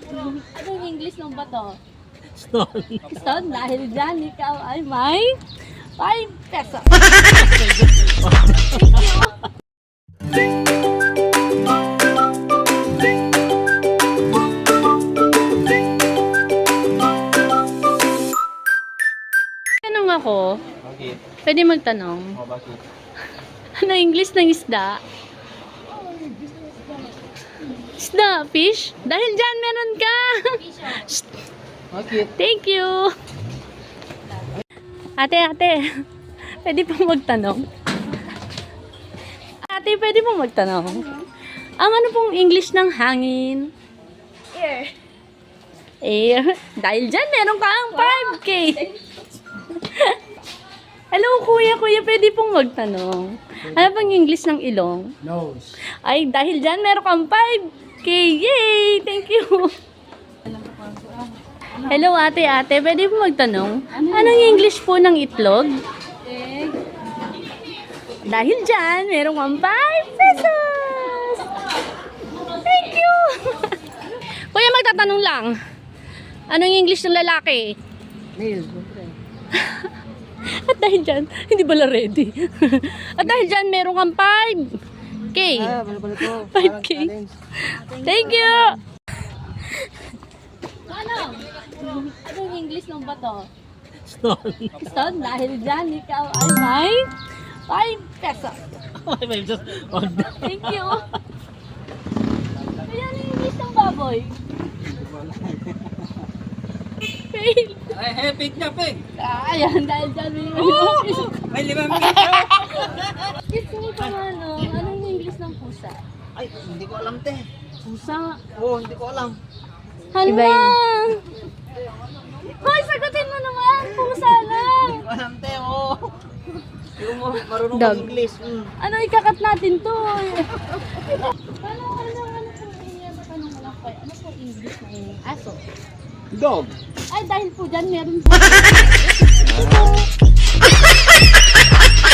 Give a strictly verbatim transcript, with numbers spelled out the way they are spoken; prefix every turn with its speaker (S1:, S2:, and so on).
S1: Anong English ng bato?
S2: Stone.
S1: Stone, dahil dyan ikaw ay may five pesos. Tanong ako,
S2: Bakit?
S1: pwede magtanong,
S2: O, bakit?
S1: ano English ng isda? Isda, fish? Dahil dyan meron ka. Shh,
S2: Bakit?
S1: thank you. Ate, ate, pwede pong magtanong? Ate, pwede pong magtanong? Ang ano pong English ng hangin?
S3: Air.
S1: Air. Dahil dyan, meron kang five K. Hello, kuya, kuya, pwede pong magtanong. Ano pang English ng ilong?
S2: Nose.
S1: Ay, dahil dyan, meron kang five K. Yay! Thank you. Hello, ate, ate. Pwede po magtanong? Anong English po ng itlog?
S3: Egg.
S1: Dahil dyan, meron kang five pesos. Thank you. Kuya, magtatanong lang. Anong English ng lalaki?
S2: Male.
S1: At dahil dyan, hindi bala ready. At dahil dyan, meron kang five K.
S2: Ah, bala pala to.
S1: five K. Thank you. Ano? Anong English ng bato?
S2: Stone.
S1: Stone, dahil dyan, ikaw ay may five pesos.
S2: Ay, may just... Oh,
S1: Thank you. Kaya ano yung English ng baboy? Fail.
S2: Ay, hey, niya, pig.
S1: Ah, ayan, dahil dyan, may
S2: May limang piso.
S1: Kiss me pa ano, anong English ng pusa?
S2: Ay, hindi ko alam, te.
S1: Pusa.
S2: Oo, hindi ko alam.
S1: Hala! Hoy, sagutin mo naman! Pusa lang!
S2: Hindi ko alam, te. Oo. Hindi mo marunong
S1: Dog.
S2: mag-English. Mm.
S1: Ano, ikakat natin to? Ano, ano, ano po yung tanong ko lang kayo? Ano po English ng aso?
S2: Dog.
S1: Ay, dahil po dyan, meron po.